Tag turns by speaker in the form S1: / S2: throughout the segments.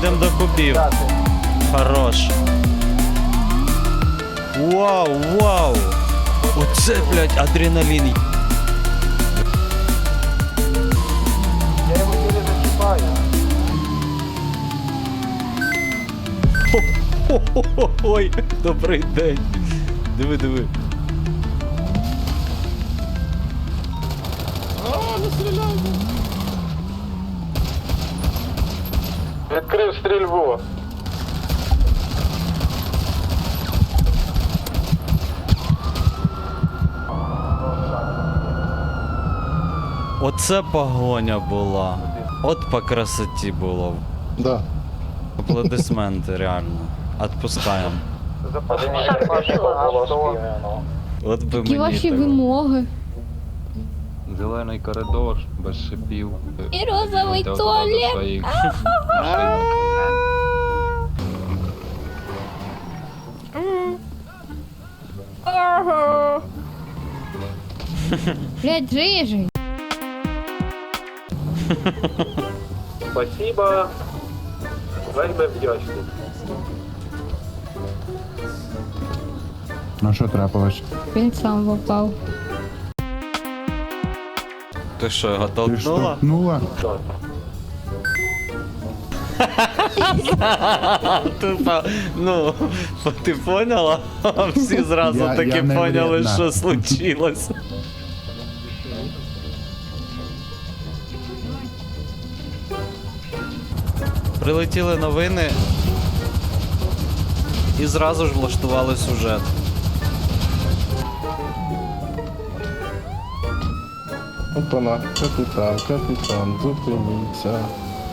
S1: їдемо до кубів. Хорош. Вау, вау. Оце, блядь, адреналін.
S2: Я його тільки зачіпаю.
S1: Ой, добрий день. Диви, диви.
S2: Відкрив стрільбу.
S1: Оце погоня була. От по красоті було.
S3: Да.
S1: Аплодисменти, реально. Отпускаємо. От би
S4: Які
S1: мені
S4: ваші
S1: так.
S4: вимоги?
S5: Зелений коридор, без шипів.
S4: І розовий
S5: Йдете до
S4: туалет.
S5: своїх машинок.
S4: Блядь, рижий.
S2: Спасибо. Вельми вдячний.
S3: Ну що трапилось?
S4: Він сам попав.
S1: Ти що, його
S3: Ти
S1: толкнула?
S3: штовхнула?
S1: Тупо, ну, ти поняла? Всі зразу
S3: Я
S1: таки
S3: не
S1: поняли,
S3: вредна.
S1: що случилось. Прилетіли новини і зразу ж влаштували сюжет.
S3: Опана, капітан, зупиніться.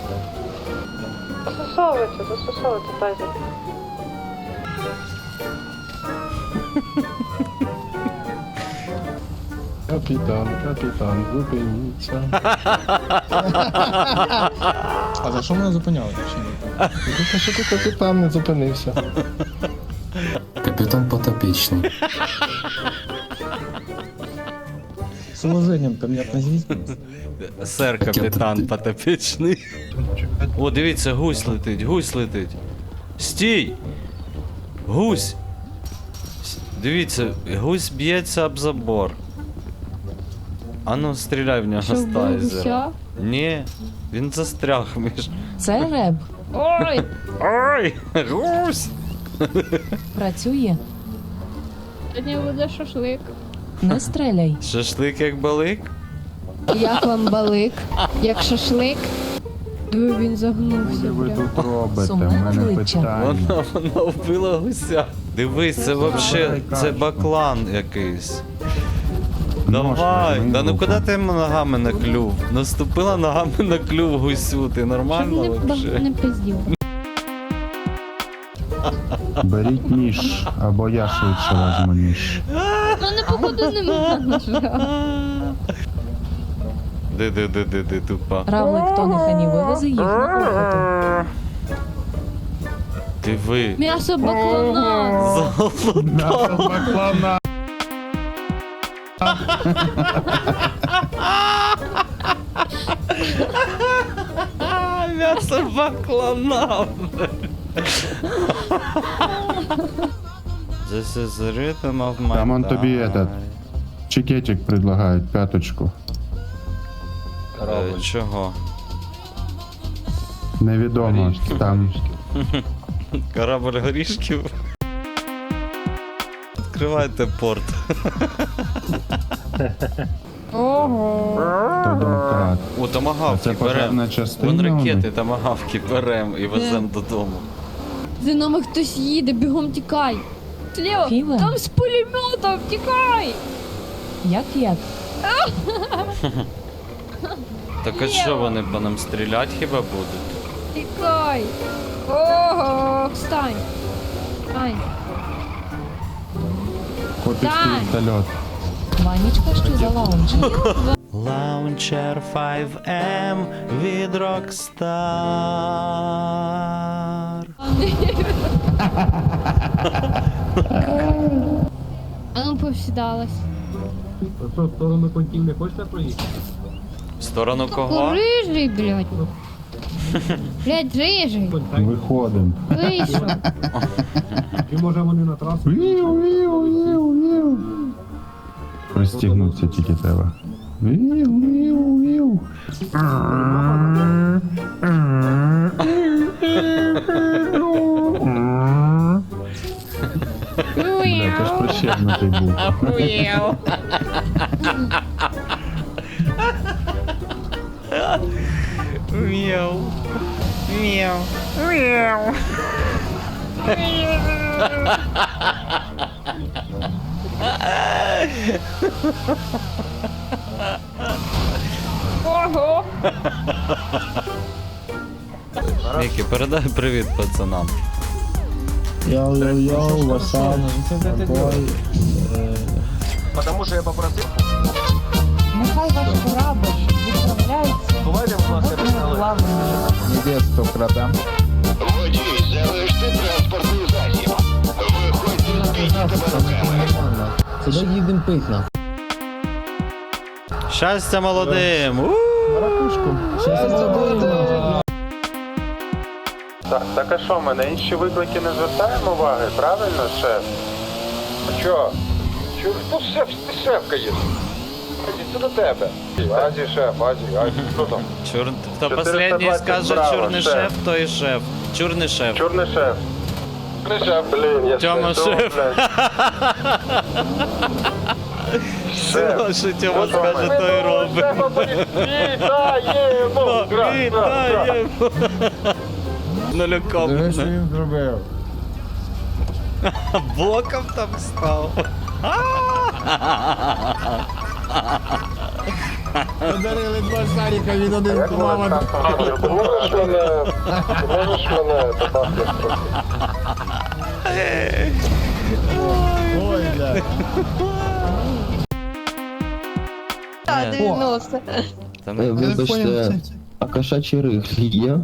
S6: Застосовується, тазик.
S3: Капітан, зупиніться.
S7: А за що мене зупиняли? Чи ні?
S3: Ти що ти капітан не зупинився?
S8: Капітан Потопічний.
S7: З уваженням ко мне относитесь.
S1: Сер капітан потопічний. О, дивіться, гусь летить, гусь летить. Стій! Гусь! Дивіться, гусь б'ється об забор. Ану, стріляй в нього
S4: Що
S1: з
S4: вбив
S1: тайзера.
S4: гуся?
S1: Ні, він застряг між.
S9: Це реб.
S4: Ой!
S1: Ой! Гусь!
S9: Працює.
S4: Сьогодні буде шашлик.
S9: Не стріляй.
S1: Шашлик як балик?
S4: Як вам балик? Як шашлик? Диви, він загнувся.
S3: Що ви
S4: прям.
S3: тут робите? У
S9: Сумне
S3: мене
S9: обличчя.
S3: питання.
S1: Вона вбила гуся. Дивись, це вообще, це баклан якийсь. Давай,
S3: мені
S1: да ну
S3: руку.
S1: куди ти ногами на клюв? Наступила ногами на клюв гусю, ти
S4: Щоб
S1: нормально
S4: не,
S1: вообще?
S4: не пиздів.
S3: Беріть ніж, або я швидше возьму ніж.
S4: Ну не походу нема ножа.
S1: Де, тупа.
S9: Равлик Тоніхані вивезе їх на охоту.
S1: Диви.
S4: М'ясо баклана.
S3: Баклана!
S1: М'ясо баклана. This is the rhythm of my
S3: Там он тобі
S1: life.
S3: этот чекетик предлагають, п'яточку.
S1: Чого?
S3: Невідомо. Там
S1: Корабль горішків. Відкривайте порт.
S4: Ого.
S3: то домкрат.
S1: О,
S3: А
S1: томагавки
S3: це
S1: беремо.
S3: пожежна частина.
S1: Вон
S3: у них?
S1: ракети, томагавки беремо і веземо додому.
S4: За нами хтось їде, бігом тікай. Слева,
S9: Філа?
S4: там з пулеметом, тікай.
S9: Як?
S1: Так а що вони по нам стріляти хіба будуть?
S4: Тікай. Ого, встань. Встань.
S3: Копівський
S4: Так.
S3: вертольот.
S9: Ванічка, що за лаунжем?
S1: Launcher 5M від Rockstar.
S4: А ну повсідалась.
S2: Що, в сторону коньків не хочете проїхати?
S1: В сторону кого?
S4: Рижий, блядь. Блядь, рижий.
S3: Виходимо.
S4: Вийшов.
S2: І може вони на трасу?
S3: Пристігнутися тільки треба. Бля, ти ж прищепнутий був.
S1: Мяу. Мяу. Мяу. Мікі, передай привіт пацанам.
S7: Йоу-йоу-йоу, васап, бой.
S2: Потому що я попросив.
S9: Нехай ваш корабль відправляється
S2: Бувайте, будь ласка,
S3: Невесту крадам.
S7: Це їдемо пить на.
S1: Щастя молодим!
S2: Так а що, ми на інші виклики не звертаємо уваги, правильно, шеф? А чо? Хто шеф? Ти шеф, конечно. Іди до тебе. Азі, шеф, Азі, хто там?
S1: Хто
S2: 420
S1: последній скаже
S2: браво,
S1: чорний
S2: шеф.
S1: шеф, то і шеф. Чорний шеф.
S2: Чорний шеф. Чорний шеф, блін, я
S1: Тьома шеф. Все, що Тьома скаже, то і робить.
S2: Вітаємо!
S1: Вітаємо! Нулюком.
S7: він зробив.
S1: Боком там став.
S7: Подарили два шарика, він один
S2: Як
S7: плавав.
S2: можеш мене добавити трохи?
S7: Ой, бля.
S8: Вибачте, а кошачі риглі є?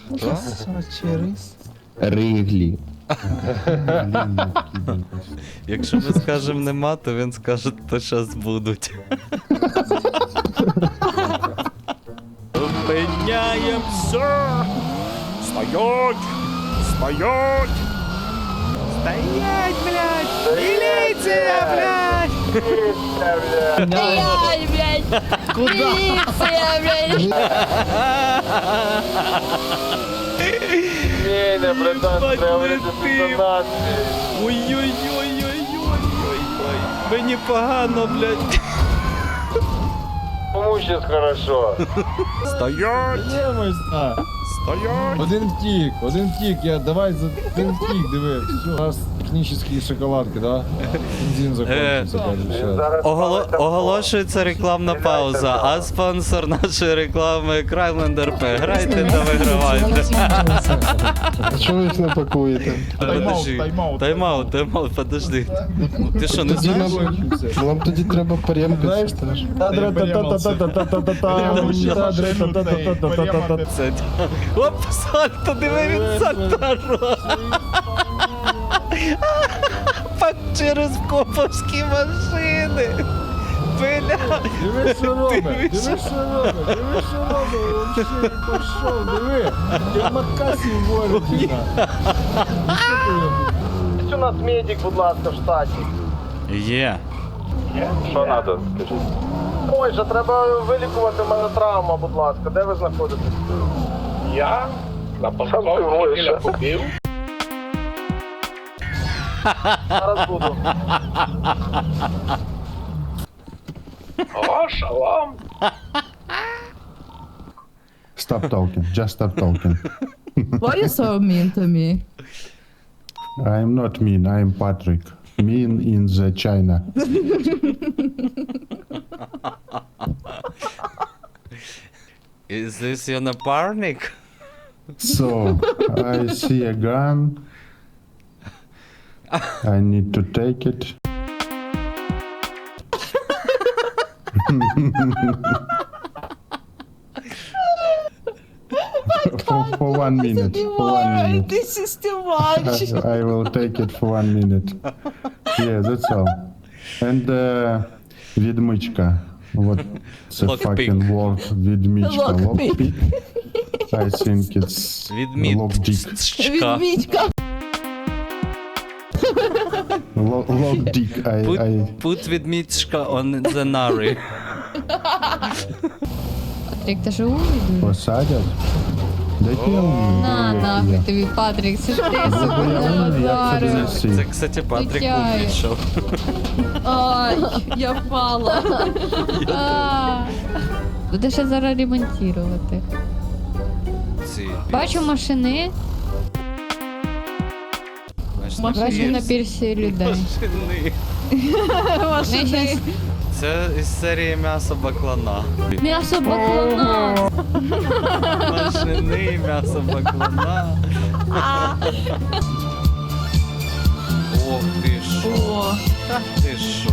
S8: Риглі.
S1: Якщо ми скажемо нема, то він скаже, то щас будуть. Зупиняємося! Стоять! Стоять! Стоять, блядь! Міліція, блядь!
S4: Блядь, блядь. Міліція, блядь.
S2: Ні, не братан,
S1: Бать,
S2: треба
S1: летим.
S2: вирішити інтонації.
S1: Ой-ой-ой-ой-ой-ой-ой. Мені погано, блядь.
S2: Кому щас хорошо?
S1: Стоять!
S7: Ємось, а.
S1: Стоять!
S7: Один втік, давай за один втік, диви. Все. У нас технічні шоколадки, да? Бензин закончився, каже, ще.
S2: Зараз палиться
S1: Оголошується рекламна пауза, а спонсор нашої реклами Крайлендер П. Грайте та вигравайте.
S3: А чого ви їх не пакуєте?
S1: Тайм-аут, подожди. Ти що, не
S3: Тоді
S1: знаєш?
S3: нам тоді треба порємкати.
S1: Це... Оп, сальто, диви, він сальто робить. Пак через коповські машини. Бля.
S7: Диви, що робить, диви, що робить, вообще пішов, диви. Я макасі ворить.
S2: у нас медик, будь ласка, в штаті.
S1: Є.
S2: Що треба, скажіть? Ой, же треба вилікувати в мене травма, будь ласка. Де ви знаходитесь? Я? На посадці побив. Зараз буду. О, шалом.
S3: Stop talking, just stop talking.
S9: Why are you so mean to me?
S3: I'm not mean, I'm Patrick. Mean in the China.
S1: Is this your напарник?
S3: So, I see a gun. I need to take it. For 1 minute. For 1 minute.
S9: This is too much.
S3: I will take it for 1 minute. Yeah, that's all. And відмичка. What the
S1: Lockpick.
S3: fucking word відмичка.
S9: Lockpick.
S3: Lockpick. I think it's lockdick.
S1: Відмітка.
S9: Відмічка.
S3: Lockdick.
S1: Put відмітка on the nari.
S4: Патрік, ти ж умний?
S3: Посадять? Да я умний.
S4: На, нахуй тобі, Патрік, це ж ти собі
S3: Я умний, як це
S4: базарив.
S3: донести.
S1: Це, кстати, Патрік
S4: Тетяє.
S1: умнічав.
S9: Ай, я впала.
S4: Буде ще зараз ремонтувати.
S1: Ці.
S4: Бачу машини, бачу на пірсі людей.
S1: Машини.
S4: Ми щас
S1: Це із серії м'ясо баклана.
S4: м'ясо баклана.
S1: Машини, м'ясо баклана. Ох ти шо.
S9: О,
S1: Ти шо.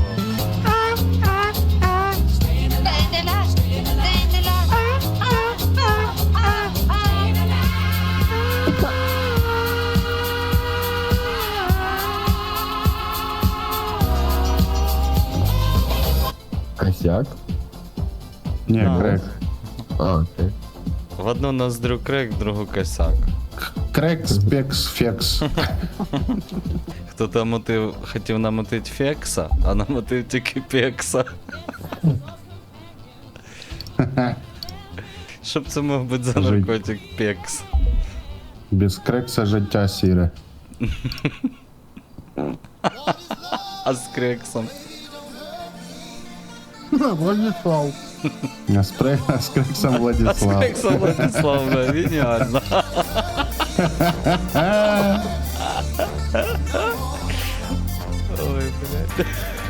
S8: Косяк?
S3: Ні, крек.
S8: А, окей.
S1: В одну ноздрю крик, в другу косяк.
S3: Крек, спекс, фекс.
S1: Хто там хотів намотити фекса, а намотив тільки пекса. Щоб це мог бути за наркотик пекс.
S3: Без крекса життя сіре.
S1: А з крексом.
S3: Владислав. А з крексом
S1: А з
S3: Владислав.
S1: крексом Владислав, да, геніально. Ой, блядь.